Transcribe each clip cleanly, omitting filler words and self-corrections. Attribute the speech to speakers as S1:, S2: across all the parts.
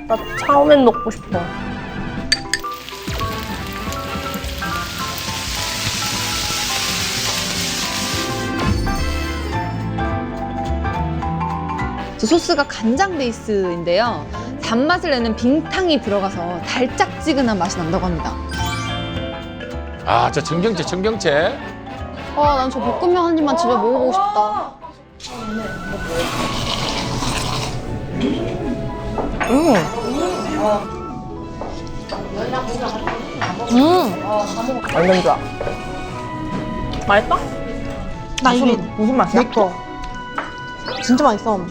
S1: 나 차오면 먹고 싶어.
S2: 저 소스가 간장 베이스인데요. 단맛을 내는 빙탕이 들어가서 달짝지근한 맛이 난다고 합니다.
S3: 아, 저 청경채.
S2: 난 저 볶음면 한 입만 집에 먹어보고 싶다.
S1: 완전 좋아. 맛있다?
S4: 나 이게
S1: 무슨 맛이야?
S4: 내 거. 진짜 맛있어.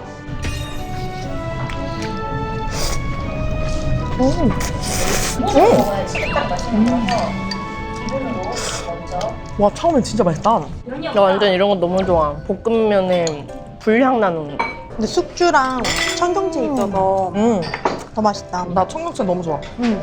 S1: 와, 처음엔 진짜 맛있다. 나 완전 이런 거 너무 좋아. 볶음면에 불향 나는 거.
S4: 근데 숙주랑 청경채 있어서 더 맛있다.
S1: 나 청경채 너무 좋아.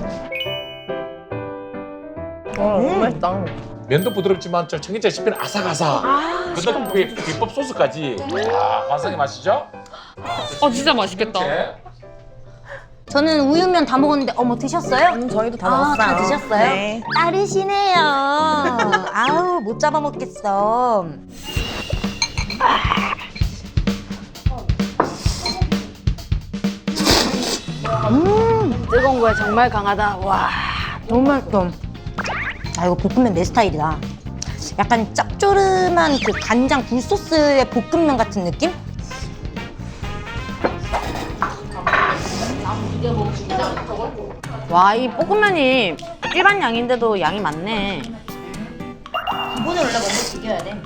S1: 너무 맛있다.
S3: 면도 부드럽지만 저 청경채 씹히는 아삭아삭. 근데 그게 비법 소스까지. 아, 환상의 맛이죠?
S2: 진짜 맛있겠다.
S3: 청경채.
S5: 저는 우육면 다 먹었는데 어머 드셨어요?
S1: 저희도 다
S5: 아,
S1: 먹었어요.
S5: 다 드셨어요?
S1: 네.
S5: 빠르시네요. 아우 못 잡아먹겠어. 뜨거운 거에 정말 강하다. 와 너무 맛있어. 아 이거 볶음면 내 스타일이다. 약간 짭조름한 그 간장 굴소스의 볶음면 같은 느낌? 와, 이 볶음면이 일반 양인데도 양이 많네. 기본을 원래 먼저 죽여야 돼.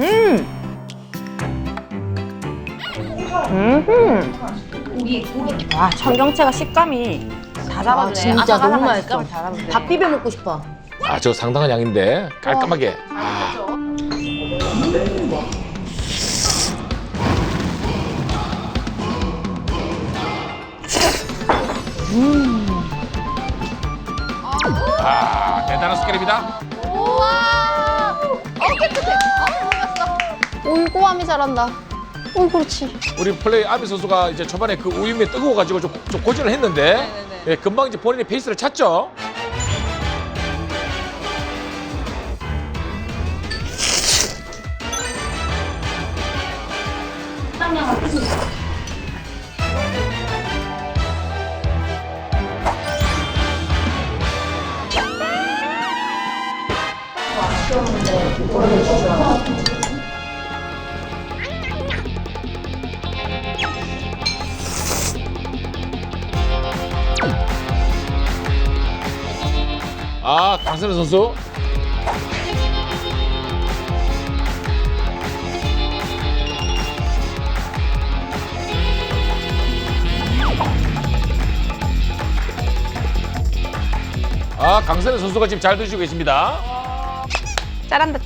S5: 고기. 와, 청경채가 식감이 다 잡아주네. 진짜 너무 맛있어. 밥 비벼 먹고 싶어.
S3: 아, 저 상당한 양인데 깔끔하게. 아, 대단한 스케일입니다.
S2: 꼼꼼함이 잘한다. 그렇지.
S3: 우리 플레이 아비 선수가 이제 초반에 그 우유면 뜨거워가지고 좀 고전을 했는데 예, 금방 이제 본인의 페이스를 찾죠. 아, 강선우 선수. 아, 강선우 선수가 지금 잘 드시고 계십니다.
S2: 짜란다.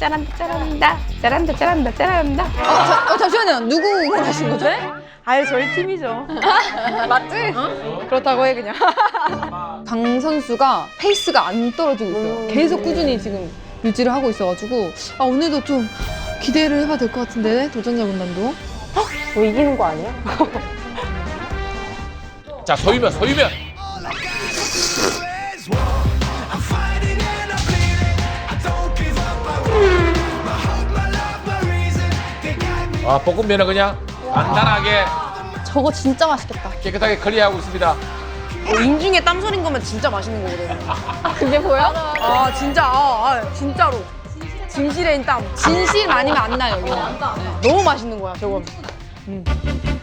S2: 잠시만요. 누구 응원하신 거죠?
S4: 아유, 저희 팀이죠.
S2: 맞지? 그렇다고 해 그냥. 강 선수가 페이스가 안 떨어지고 있어요. 계속 꾸준히 지금 유지를 하고 있어가지고 오늘도 좀 기대를 해봐도 될 것 같은데 도전자분단도.
S1: 뭐 이기는 거 아니야?
S3: 자, 소유면. 아, 볶음면은 그냥 간단하게
S2: 저거 진짜 맛있겠다.
S3: 깨끗하게 클리어하고 있습니다.
S1: 인중에 땀 소린 거면 진짜 맛있는 거거든.
S2: 그게 보여?
S1: 아, 진짜. 진짜로. 진실의 땀.
S2: 진실 아니면 안 나요, 여기는.
S1: 너무 맛있는 거야, 저건.